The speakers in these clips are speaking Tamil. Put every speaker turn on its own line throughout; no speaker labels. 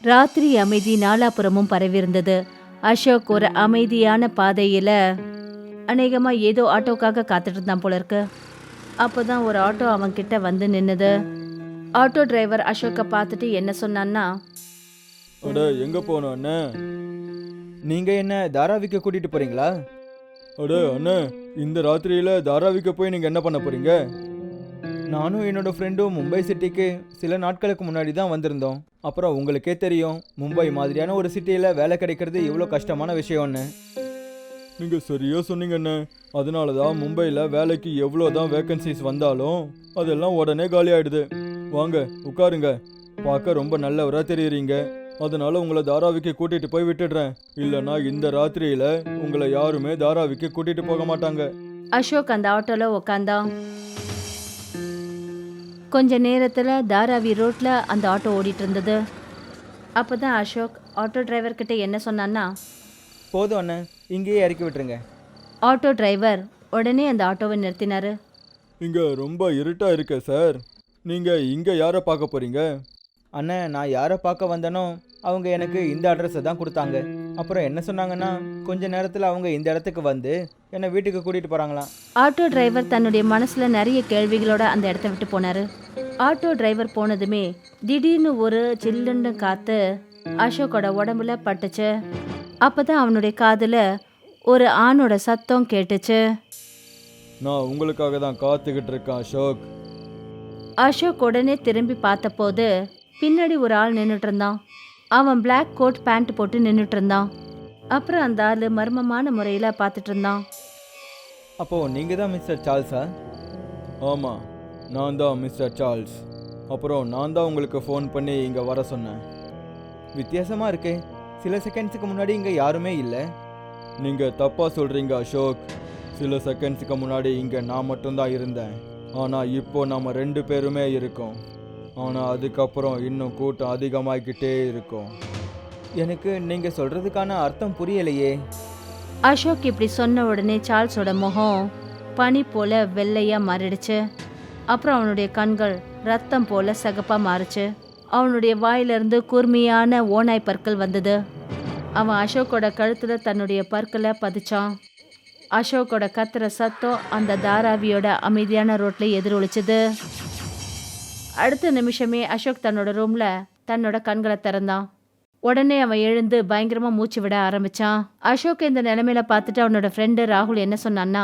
ராத்திரி அமைதி நாலாபுறமும் பரவியிருந்தது. அசோக் ஒரு அமைதியான பாதையில அநேகமா ஏதோ ஆட்டோக்காக காத்துட்டு இருந்தான் போல இருக்கு. அப்போதான் ஒரு ஆட்டோ அவன் கிட்ட வந்து நின்னுது. ஆட்டோ டிரைவர் அசோக்கை பார்த்துட்டு என்ன சொன்னான்னா,
அட எங்க போனோம் அண்ணே? நீங்க என்ன தாராவிக்கு கூட்டிட்டு போறீங்களா? அட அண்ணே, இந்த ராத்திரியில தாராவிக்கு போய் நீங்க என்ன பண்ண போறீங்க? நானும் என்னோட ஃப்ரெண்டும் மும்பை சிட்டிக்கு சில நாட்களுக்கு முன்னாடி தான் வந்திருந்தோம். அப்புறம் உங்களுக்கே தெரியும், மும்பை மாதிரியான ஒரு சிட்டியில் வேலை கிடைக்கிறது எவ்வளோ கஷ்டமான விஷயம்னு. நீங்கள் சரியாக சொன்னீங்கண்ணே. அதனால தான் மும்பையில் வேலைக்கு எவ்வளோ தான் வேக்கன்சிஸ் வந்தாலும் அதெல்லாம் உடனே காலி ஆயிடுது. வாங்க உட்காருங்க. பார்க்க ரொம்ப நல்லவராக தெரியுறீங்க. அதனால உங்களை தாராவிக்கு கூட்டிட்டு போய் விட்டுடுறேன். இல்லைன்னா இந்த ராத்திரியில உங்களை யாருமே தாராவிக்கு கூட்டிட்டு போக மாட்டாங்க.
அசோக் அந்த ஆட்டோல உக்காந்தான். கொஞ்ச நேரத்துல தாராவி ரோட்ல அந்த ஆட்டோ ஓடிட்டு இருந்தது. அப்பதான் அசோக் ஆட்டோ டிரைவர் கிட்ட என்ன சொன்னான்னா,
போதும் அண்ணன், இங்கேயே இறக்கி விட்டுருங்க.
ஆட்டோ டிரைவர் உடனே அந்த ஆட்டோவை நிறுத்தினாரு.
இங்க ரொம்ப இருட்டா இருக்க சார். நீங்க இங்க யாரை பார்க்க போறீங்க? அண்ணன், நான் யாரை பார்க்க வந்தேனோ அவங்க எனக்கு இந்த அட்ரஸை தான் கொடுத்தாங்க. அப்புறம் என்ன சொன்னாங்கன்னா, கொஞ்ச நேரத்தில் அவங்க இந்த இடத்துக்கு வந்து என்னை வீட்டுக்கு கூட்டிகிட்டு போகிறாங்களாம்.
ஆட்டோ டிரைவர் தன்னுடைய மனசுல நிறைய கேள்விகளோட அந்த இடத்த விட்டு போனாரு. ஆட்டோ டிரைவர் போனதுமே திடீர்னு ஒரு சில்லுன்னு காத்து அசோக்கோட உடம்புல பட்டுச்சு. அப்பதான் அவனுடைய காதுல ஒரு ஆணோட சத்தம் கேட்டுச்சு.
நான் உங்களுக்காக தான் காத்துக்கிட்டு இருக்கேன் அசோக்.
அசோக் உடனே திரும்பி பார்த்தபோது பின்னாடி ஒரு ஆள் நின்றுட்டு இருந்தான். அவன் பிளாக் கோட் பேண்ட் போட்டு நின்றுட்டு இருந்தான். அப்புறம் அந்த ஆள் மர்மமான முறையில் பார்த்துட்டு இருந்தான்.
அப்போது நீங்கள் தான் மிஸ்டர் சார்ல்ஸா? ஆமாம், நான் தான் மிஸ்டர் சார்ல்ஸ். அப்புறம் நான் தான் உங்களுக்கு ஃபோன் பண்ணி இங்கே வர சொன்னேன். வித்தியாசமாக இருக்கே, சில செகண்ட்ஸுக்கு முன்னாடி இங்கே யாருமே இல்லை. நீங்கள் தப்பாக சொல்கிறீங்க அசோக். சில செகண்ட்ஸுக்கு முன்னாடி இங்கே நான் மட்டும்தான் இருந்தேன். ஆனால் இப்போ நம்ம 2 பேருமே இருக்கோம். ஆனால் அதுக்கப்புறம் இன்னும் கூட்டம் அதிகமாகிக்கிட்டே இருக்கும். எனக்கு நீங்கள் சொல்கிறதுக்கான அர்த்தம் புரியலையே.
அசோக் இப்படி சொன்ன உடனே சார்ல்ஸோட முகம் பனி போல வெள்ளையா மாறிடுச்சு. அப்புறம் அவனுடைய கண்கள் ரத்தம் போல சிகப்பா மாறுச்சு. அவனுடைய வாயிலிருந்து கூர்மையான ஓநாய் பற்கள் வந்தது. அவன் அசோக்கோட கழுத்துல தன்னுடைய பற்களை பதிச்சான். அசோக்கோட கத்துற சத்தம் அந்த தாராவியோட அமைதியான ரோட்ல எதிரொலிச்சது. அடுத்த நிமிஷமே அசோக் தன்னோட ரூம்ல தன்னோட கண்களை திறந்தான். உடனே அவன் எழுந்து பயங்கரமா மூச்சு விட ஆரம்பிச்சான். அசோக் இந்த நிலைமையில பார்த்துட்டு அவனோட ஃப்ரெண்டு ராகுல் என்ன சொன்னான்னா,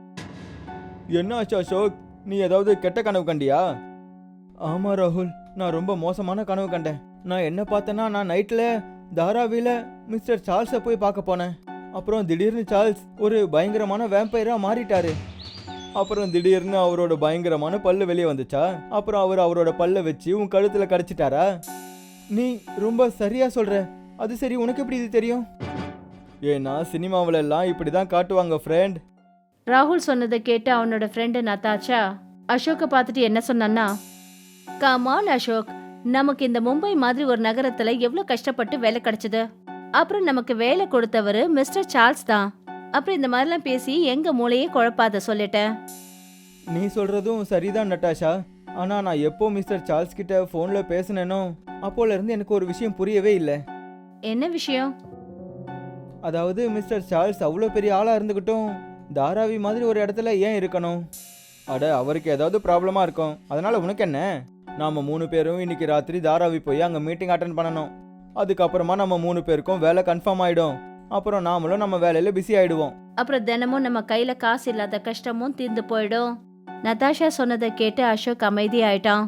என்ன ஆச்சு அசோக், நீ ஏதாவது கெட்ட கனவு கண்டியா? ஆமா ராகுல், நான் ரொம்ப மோசமான கனவு கண்டேன். நான் என்ன பார்த்தேன்னா, நான் நைட்டில் தாராவில மிஸ்டர் சார்ல்ஸை போய் பார்க்க போனேன். அப்புறம் திடீர்னு சார்ல்ஸ் ஒரு பயங்கரமான வேம்பையராக மாறிட்டாரு. அப்புறம் திடீர்னு அவரோட பயங்கரமான பல்லு வெளியே வந்துச்சா. அப்புறம் அவரோட பல்லை வச்சு உன் கழுத்தில் கடிச்சிட்டாரா? நீ ரொம்ப சரியா சொல்ற. அது சரி, உனக்கு எப்படி இது தெரியும்? ஏன்னா சினிமாவில எல்லாம் இப்படி தான் காட்டுவாங்க ஃப்ரெண்ட்.
ராகுல் சொன்னதை கேட்டு அவனோட ஃப்ரெண்டு நதாச்சா அசோக்கை பார்த்துட்டு என்ன சொன்னான்னா, கமான் அசோக், நமக்கு இந்த மும்பை மாதிரி ஒரு நகரத்துல எவ்வளவு கஷ்டப்பட்டு வேலை கிடைச்சது. அப்புறம் நமக்கு வேலை கொடுத்தவர் மிஸ்டர் சார்ல்ஸ் தான். அப்புறம் இந்த மாதிரிலாம் பேசி எங்க மூளையே குழப்பாத சொல்லிட்டேன்.
நீ சொல்றதும் சரிதான் நட்டாஷா. ஆனா நான் எப்போ மிஸ்டர் சார்ல்ஸ் கிட்ட போன்ல பேசினேனோ அப்போல இருந்து எனக்கு ஒரு விஷயம் புரியவே இல்லை.
என்ன விஷயம்?
அதாவது மிஸ்டர் சார்ல்ஸ் அவ்வளோ பெரிய ஆளா இருந்துகிட்டும் தாராவி மாதிரி ஒரு இடத்துல ஏன் இருக்கணும்? அட, அவருக்கு ஏதாவது ப்ராப்ளமா இருக்கும். அதனால உனக்கு என்ன? நாம 3 பேரும் இன்னைக்கு ராத்திரி தாராவி போய் அங்க மீட்டிங் அட்டென்ட் பண்ணணும். அதுக்கப்புறமா நம்ம 3 பேருக்கும் வேலை கன்ஃபார்ம் ஆயிடும். அப்புறம் நாமளும் நம்ம வேலையில பிஸி ஆயிடுவோம்.
அப்புறம் தினமும் நம்ம கையில காசு இல்லாத கஷ்டமும் தீர்ந்து போயிடும். நதாஷா சொன்னதை கேட்டு அசோக் அமைதி ஆயிட்டான்.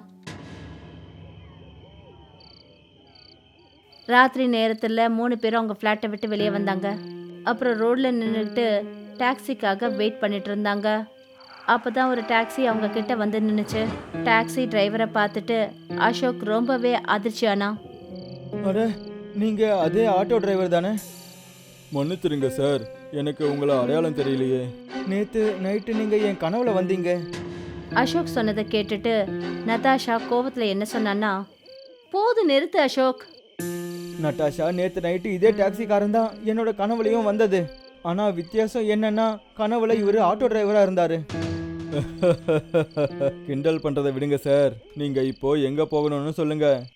ராத்திரி நேரத்துல 3 பேரும் அவங்க ஃப்ளாட்டை விட்டு வெளியே வந்தாங்க. அப்புறம் ரோட்ல நின்றுட்டு டாக்ஸிக்காக வெயிட் பண்ணிட்டு இருந்தாங்க. அப்பதான் ஒரு டாக்ஸி அவங்க கிட்ட வந்து நின்னுச்சு. டாக்ஸி டிரைவரை பார்த்துட்டு அசோக் ரொம்பவே அதிர்ச்சியானா.
அட, நீங்க அதே ஆட்டோ டிரைவர் தானே? மன்னிச்சிருங்க சார், எனக்கு உங்களை அடையாளம் தெரியலையே. நேத்து நைட்டு நீங்க என் கனவுல வந்தீங்க.
அசோக் சொன்னதை கேட்டுட்டு நதாஷா கோவத்துல என்ன சொன்னான்னா, போது நிறுத்து அசோக்.
நட்டாஷா, நேத்து நைட்டு இதே டாக்ஸிக்காரன் தான் என்னோட கனவுலையும் வந்தது. ஆனா வித்தியாசம் என்னன்னா, கனவுல இவரு ஆட்டோ டிரைவரா இருந்தாரு. கிண்டல் பண்றதை விடுங்க சார். நீங்க இப்போ எங்க போகணும்னு சொல்லுங்க.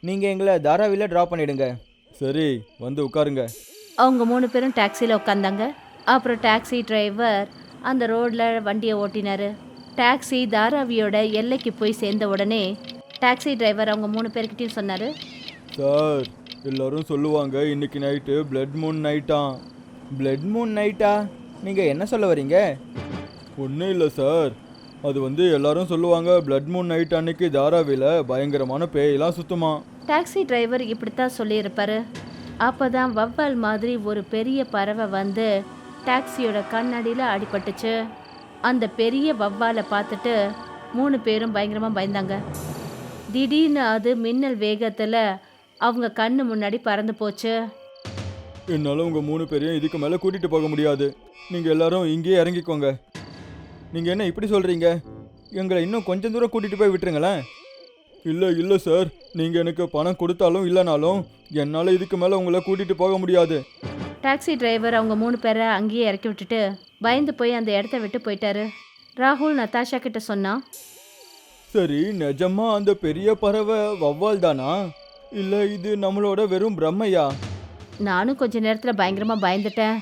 நீங்கள் எங்களை தாராவியில் ட்ராப் பண்ணிடுங்க. சரி, வந்து உட்காருங்க.
அவங்க 3 பேரும் டாக்ஸியில் உட்காந்தாங்க. அப்புறம் டாக்ஸி டிரைவர் அந்த ரோடில் வண்டியை ஓட்டினாரு. டாக்ஸி தாராவியோட எல்லைக்கு போய் சேர்ந்த உடனே டாக்ஸி டிரைவர் அவங்க 3 பேர்கிட்டையும் சொன்னார்,
சார், எல்லாரும் சொல்லுவாங்க இன்னைக்கு நைட்டு பிளட் மூன் நைட்டாம். பிளட் மூன் நைட்டா? நீங்கள் என்ன சொல்ல வரீங்க? ஒன்றும் இல்லை சார், அது எல்லாரும் சொல்லுவாங்க பிளட் மூன் நைட் அன்னைக்கு தாராவியில் பயங்கரமான பேயெல்லாம் சுத்துமா.
டாக்ஸி டிரைவர் இப்படித்தான் சொல்லியிருப்பாரு. அப்போ தான் வவ்வால் மாதிரி ஒரு பெரிய பறவை வந்து டாக்ஸியோட கண்ணாடியில் அடிபட்டுச்சு. அந்த பெரிய வவ்வாலை பார்த்துட்டு 3 பேரும் பயங்கரமாக பயந்தாங்க. திடீர்னு அது மின்னல் வேகத்தில் அவங்க கண்ணு முன்னாடி பறந்து போச்சு.
என்னால் உங்கள் 3 பேரையும் இதுக்கு மேலே கூட்டிகிட்டு போக முடியாது. நீங்கள் எல்லாரும் இங்கேயே இறங்கிக்கோங்க. நீங்கள் என்ன இப்படி சொல்கிறீங்க? எங்களை இன்னும் கொஞ்சம் தூரம் கூட்டிகிட்டு போய் விட்டுருங்களேன். இல்லை சார், நீங்கள் எனக்கு பணம் கொடுத்தாலும் இல்லைனாலும் என்னால் இதுக்கு மேலே உங்களை கூட்டிகிட்டு போக முடியாது.
டாக்ஸி டிரைவர் அவங்க 3 பேரை அங்கேயே இறக்கி விட்டுட்டு பயந்து போய் அந்த இடத்த விட்டு போயிட்டாரு. ராகுல் நதாஷா கிட்ட சொன்னான்,
சரி, நிஜமா அந்த பெரிய பறவை வவ்வால் தானா, இல்லை இது நம்மளோட வெறும் பிரம்மையா?
நானும் கொஞ்ச நேரத்தில் பயங்கரமாக பயந்துட்டேன்.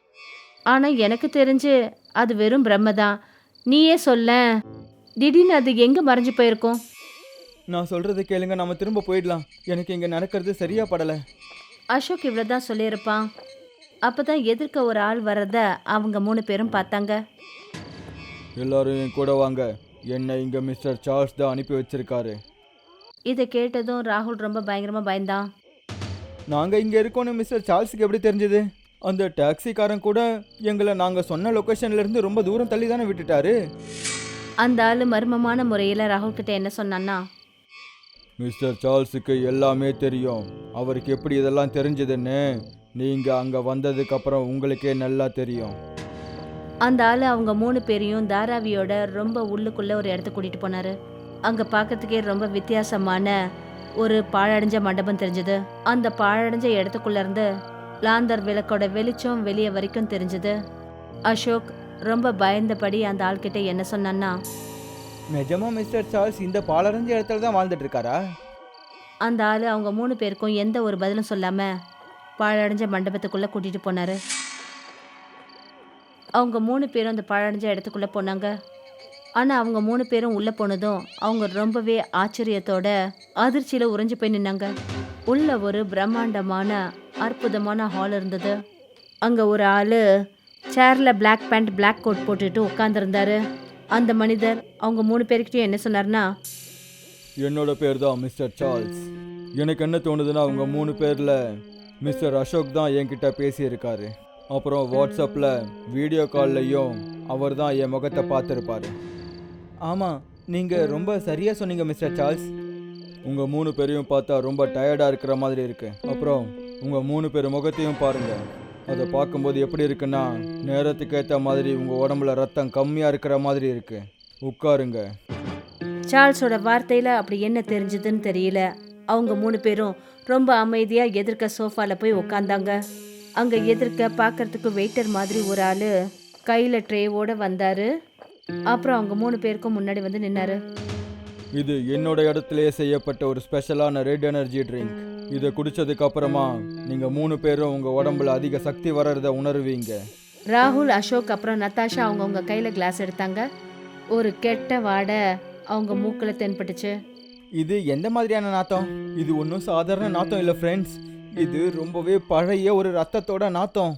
ஆனால் எனக்கு தெரிஞ்சு அது வெறும் பிரம்ம தான். நீயே சொல்ல, திடீர்னு அது எங்கே மறைஞ்சு போயிருக்கோம்?
நான் சொல்கிறத கேளுங்க, நம்ம திரும்ப போயிடலாம். எனக்கு இங்கே நடக்கிறது சரியா படலை.
அசோக் இவ்வளோ தான் சொல்லியிருப்பான். அப்போ தான் எதிர்க்க ஒரு ஆள் வர்றத அவங்க 3 பேரும் பார்த்தாங்க.
எல்லாரும் என் கூட வாங்க. என்னை இங்கே மிஸ்டர் சார்ல்ஸ் தான் அனுப்பி வச்சிருக்காரு.
இதை கேட்டதும் ராகுல் ரொம்ப பயங்கரமாக பயந்தான்.
நாங்கள் இங்கே இருக்கோன்னு மிஸ்டர் சார்ல்ஸுக்கு எப்படி தெரிஞ்சது? அந்த டாக்ஸிக்காரன் கூட எங்களை நாங்கள் சொன்ன லொக்கேஷன்லேருந்து ரொம்ப தூரம் தள்ளி தானே விட்டுட்டாரு.
அந்த ஆள் மர்மமான முறையில் ராகுல் கிட்ட என்ன சொன்னான்னா,
மிஸ்டர் சார்ல்ஸுக்கு எல்லாமே தெரியும். அவருக்கு எப்படி இதெல்லாம் தெரிஞ்சதுன்னு நீங்கள் அங்கே வந்ததுக்கப்புறம் உங்களுக்கே நல்லா தெரியும்.
அந்த ஆள் அவங்க 3 பேரையும் தாராவியோட ரொம்ப உள்ளுக்குள்ளே ஒரு இடத்துக்கு கூட்டிகிட்டு போனார். அங்கே பார்க்கறதுக்கே ரொம்ப வித்தியாசமான ஒரு பாழடைஞ்ச மண்டபம் தெரிஞ்சது. அந்த பாழடைஞ்ச இடத்துக்குள்ளேருந்து லாந்தர் விளக்கோட வெளிச்சம் வெளியே வரைக்கும் தெரிஞ்சது. அசோக் ரொம்ப பயந்தபடி அந்த ஆள்கிட்ட என்ன சொன்னான்னா,
நிஜமா மிஸ்டர் சார்ல்ஸ் இந்த பாலடைஞ்ச இடத்துல தான் வாழ்ந்துட்டு இருக்காரா?
அந்த ஆள் அவங்க 3 பேருக்கும் எந்த ஒரு பதிலும் சொல்லாமல் பாழடைஞ்ச மண்டபத்துக்குள்ளே கூட்டிகிட்டு போனார். அவங்க 3 பேரும் அந்த பாழடைஞ்ச இடத்துக்குள்ளே போனாங்க. ஆனால் அவங்க 3 பேரும் உள்ளே போனதும் அவங்க ரொம்பவே ஆச்சரியத்தோட அதிர்ச்சியில் உறைஞ்சு போய் நின்னாங்க. உள்ள ஒரு பிரம்மாண்டமான அற்புதமான ஹால் இருந்தது. அங்கே ஒரு ஆள் சேரில் பிளாக் பேண்ட் பிளாக் கோட் போட்டுட்டு உட்காந்துருந்தாரு. அந்த மனிதர் அவங்க 3 பேர்கிட்டையும் என்ன சொன்னார்னா,
என்னோட பேர் தான் மிஸ்டர் சார்ல்ஸ். எனக்கு என்ன தோணுதுன்னா அவங்க 3 பேரில் மிஸ்டர் அசோக் தான் என்கிட்ட பேசியிருக்காரு. அப்புறம் வாட்ஸ்அப்பில் வீடியோ கால்லையும் அவர் தான் என் முகத்தை பார்த்துருப்பாரு. ஆமாம், நீங்கள் ரொம்ப சரியாக சொன்னீங்க மிஸ்டர் சார்ல்ஸ். உங்கள் 3 பேரையும் பார்த்தா ரொம்ப டயர்டாக இருக்கிற மாதிரி இருக்கு. அப்புறம் உங்கள் 3 பேர் முகத்தையும் பாருங்கள். அதை பார்க்கும்போது எப்படி இருக்குன்னா, நேரத்துக்கு ஏற்ற மாதிரி உங்கள் உடம்புல ரத்தம் கம்மியாக இருக்கிற மாதிரி இருக்கு. உட்காருங்க.
சார்ல்ஸோட வார்த்தையில் அப்படி என்ன தெரிஞ்சதுன்னு தெரியல. அவங்க 3 பேரும் ரொம்ப அமைதியாக எதிர்க்க சோஃபாவில் போய் உட்காந்தாங்க. அங்கே எதிர்க்க பார்க்கறதுக்கு வெயிட்டர் மாதிரி ஒரு ஆள் கையில் ட்ரேவோடு வந்தார். அப்புறம் அவங்க 3 பேருக்கும் முன்னாடி வந்து நின்னாரு.
இது என்னோட இடத்துலயே செய்யப்பட்ட ஒரு ஸ்பெஷலான ரெட் எனர்ஜி ட்ரிங்க். இதை குடிச்சதுக்கு அப்புறமா நீங்கள் 3 பேரும் உங்கள் உடம்புல அதிக சக்தி வர்றத உணர்வீங்க.
ராகுல், அசோக் அப்புறம் நதாஷா அவங்கவுங்க கையில் கிளாஸ் எடுத்தாங்க. ஒரு கெட்ட வாடை அவங்க மூக்கில் தென்பட்டுச்சு.
இது எந்த மாதிரியான நாத்தம்? இது ஒன்றும் சாதாரண நாத்தம் இல்லை ஃப்ரெண்ட்ஸ். இது ரொம்பவே பழைய ஒரு ரத்தத்தோட நாத்தம்.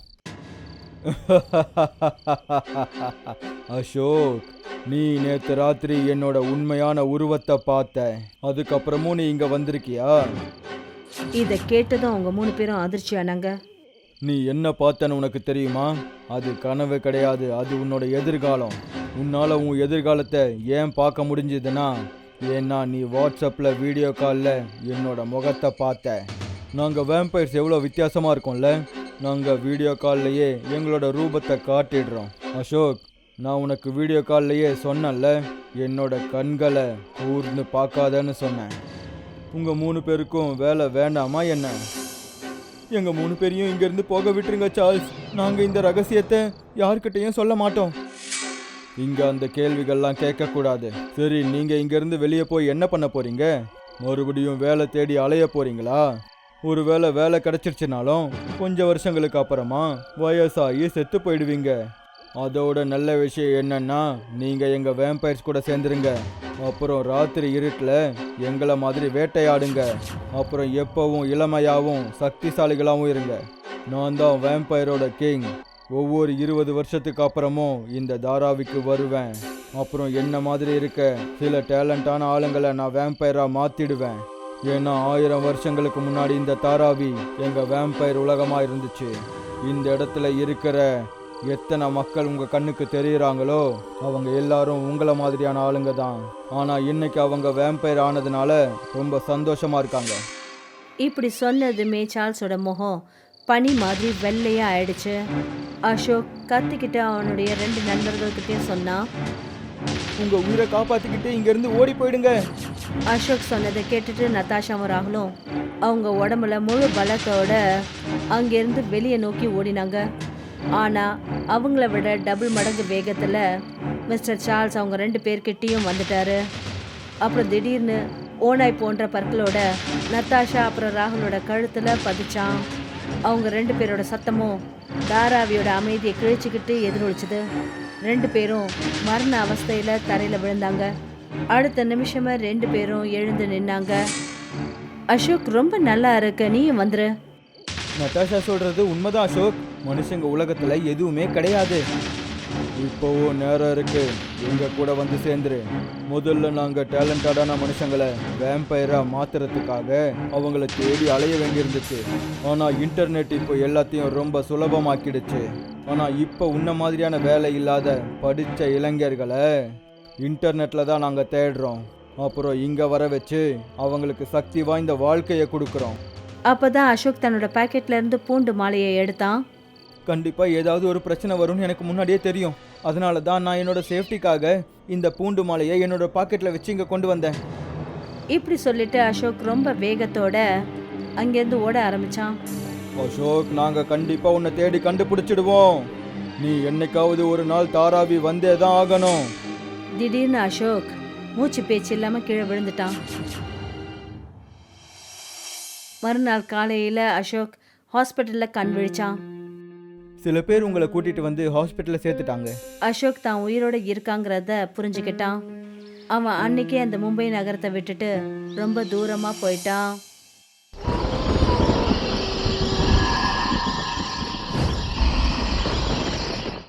அசோக், நீ நேற்று ராத்திரி என்னோட உண்மையான உருவத்தை பார்த்த, அதுக்கப்புறமும் நீ இங்கே வந்திருக்கியா?
இதை கேட்டதும் அவங்க 3 பேரும் அதிர்ச்சி ஆனாங்க.
நீ என்ன பார்த்தன்னு உனக்கு தெரியுமா? அது கனவு கிடையாது, அது உன்னோட எதிர்காலம். உன்னால் உன் எதிர்காலத்தை ஏன் பார்க்க முடிஞ்சதுன்னா, ஏன்னா நீ வாட்ஸ்அப்பில் வீடியோ காலில் என்னோட முகத்தை பார்த்த. நாங்கள் வேம்பயர்ஸ் எவ்வளோ வித்தியாசமாக இருக்கோம்ல. நாங்கள் வீடியோ கால்லையே எங்களோட ரூபத்தை காட்டிடுறோம். அசோக், நான் உனக்கு வீடியோ கால்லையே சொன்னேன்ல, என்னோட கண்களை கூர்ந்து பார்க்காதன்னு சொன்னேன். உங்கள் 3 பேருக்கும் வேலை வேண்டாமா என்ன? எங்கள் 3 பேரையும் இங்கேருந்து போக விட்டுருங்க சார்ல்ஸ். நாங்கள் இந்த ரகசியத்தை யார்கிட்டையும் சொல்ல மாட்டோம். இங்கே அந்த கேள்விகள்லாம் கேட்கக்கூடாது. சரி, நீங்கள் இங்கேருந்து வெளியே போய் என்ன பண்ண போகிறீங்க? மறுபடியும் வேலை தேடி அலைய போறீங்களா? ஒருவேளை வேலை கிடைச்சிருச்சுனாலும் கொஞ்சம் வருஷங்களுக்கு அப்புறமா வயசாகி செத்து போயிடுவீங்க. அதோட நல்ல விஷயம் என்னன்னா, நீங்க எங்க வேம்பயர்ஸ் கூட சேர்ந்துருங்க. அப்புறம் ராத்திரி இருட்டில் எங்களை மாதிரி வேட்டையாடுங்க. அப்புறம் எப்பவும் இளமையாகவும் சக்திசாலிகளாகவும் இருங்க. நான் தான் வேம்பயரோட கிங். ஒவ்வொரு 20 வருஷத்துக்கு அப்புறமும் இந்த தாராவிக்கு வருவேன். அப்புறம் என்ன மாதிரி இருக்க சில டேலண்டான ஆளுங்களை நான் வேம்பயரா மாத்திடுவேன். ஏன்னா 1000 வருஷங்களுக்கு முன்னாடி இந்த தாராவி எங்க வேம்பயர் உலகமா இருந்துச்சு. இந்த இடத்துல இருக்கிற எத்தனை மக்கள் உங்க கண்ணுக்கு தெரியுறாங்களோ அவங்க எல்லாரும் உங்களை மாதிரியான ஆளுங்க தான். ஆனா இன்னைக்கு அவங்க வேம்பயர் ஆனதுனால ரொம்ப சந்தோஷமா இருக்காங்க.
இப்படி சொன்னதுமே சார்ல்ஸோட முகம் பனி மாதிரி வெள்ளையா ஆயிடுச்சு. அசோக் கத்திக்கிட்டு அவனுடைய 2 நண்பர்கள்கிட்டயும் சொன்னான்,
உங்க உயிரை காப்பாத்திக்கிட்டு இங்க இருந்து ஓடி போயிடுங்க.
அசோக் சொன்னதை கேட்டுட்டு நதாஷாவும் ராகுலும் அவங்க உடம்புல முழு பலத்தோட அங்கிருந்து வெளியே நோக்கி ஓடினாங்க. ஆனா அவங்கள விட டபுள் மடங்கு வேகத்துல மிஸ்டர் சார்ல்ஸ் அவங்க 2 பேர்கிட்டயும் வந்துட்டாரு. அப்புறம் திடீர்னு ஓனாய் போன்ற பற்களோட நத்தாஷா அப்புறம் ராகுலோட கழுத்துல பதிச்சான். அவங்க 2 பேரோட சத்தமும் தாராவியோட அமைதியை கிழிச்சுக்கிட்டு எதிரொலிச்சுது. 2 பேரும் மரண அவஸ்தையில தரையில விழுந்தாங்க. அடுத்த நிமிஷமா 2 பேரும் எழுந்து நின்னாங்க. அசோக், ரொம்ப நல்லா இருக்கு, நீயும் வந்துரு.
நட்டாஷா சொல்றது உண்மைதான் அசோக். மனுஷங்க உலகத்துல எதுவுமே கிடையாது. இப்போவும் நேரம் இருக்கு, எங்க கூட வந்து சேர்ந்துரு. முதல்ல நாங்க டேலண்டடான மனுஷங்களை வேம்பயரா மாத்துறதுக்காக அவங்கள தேடி அலைய வேண்டியிருந்துச்சு. ஆனா இன்டர்நெட் இப்போ எல்லாத்தையும் ரொம்ப சுலபமாக்கிடுச்சு. ஆனா இப்போ உன்ன மாதிரியான வேலை இல்லாத படிச்ச இளைஞர்களை இன்டர்நெட்ல தான் நாங்க தேடுறோம். அப்புறம் இங்க வர வச்சு அவங்களுக்கு சக்தி வாய்ந்த வாழ்க்கையை கொடுக்குறோம்.
அப்பதான் அசோக் தன்னோட பாக்கெட்ல இருந்து பூண்டு மாலையை எடுத்தான்.
கண்டிப்பா ஏதாவது ஒரு பிரச்சனை வரும்னு எனக்கு முன்னாடியே தெரியும். அதனால தான் நான் என்னோட சேஃப்டிக்காக இந்த பூண்டு மாலையை என்னோட பாக்கெட்ல வச்சு இங்க கொண்டு வந்தேன்.
இப்படி சொல்லிட்டு அசோக் ரொம்ப வேகத்தோட அங்கேருந்து ஓட ஆரம்பிச்சான்.
அசோக், நாங்க கண்டிப்பா உன்னை தேடி கண்டுபிடிச்சிடுவோம். நீ என்னைக்காவது ஒரு நாள் தாராவி வந்தே தான் ஆகணும்.
திடீர்னு அசோக் மூச்சு பேச்சு இல்லாம கீழே விழுந்துட்டான். மறுநாள் காலையில அசோக் ஹாஸ்பிட்டல்ல கண் விழிச்சான்.
சில பேர் உங்களை கூட்டிட்டு வந்து ஹாஸ்பிட்டல்ல சேர்த்துட்டாங்க.
அசோக் தான் உயிரோட இருக்காங்கிறத புரிஞ்சுக்கிட்டான். அவன் அன்னைக்கே அந்த மும்பை நகரத்தை விட்டுட்டு ரொம்ப தூரமா போயிட்டான்.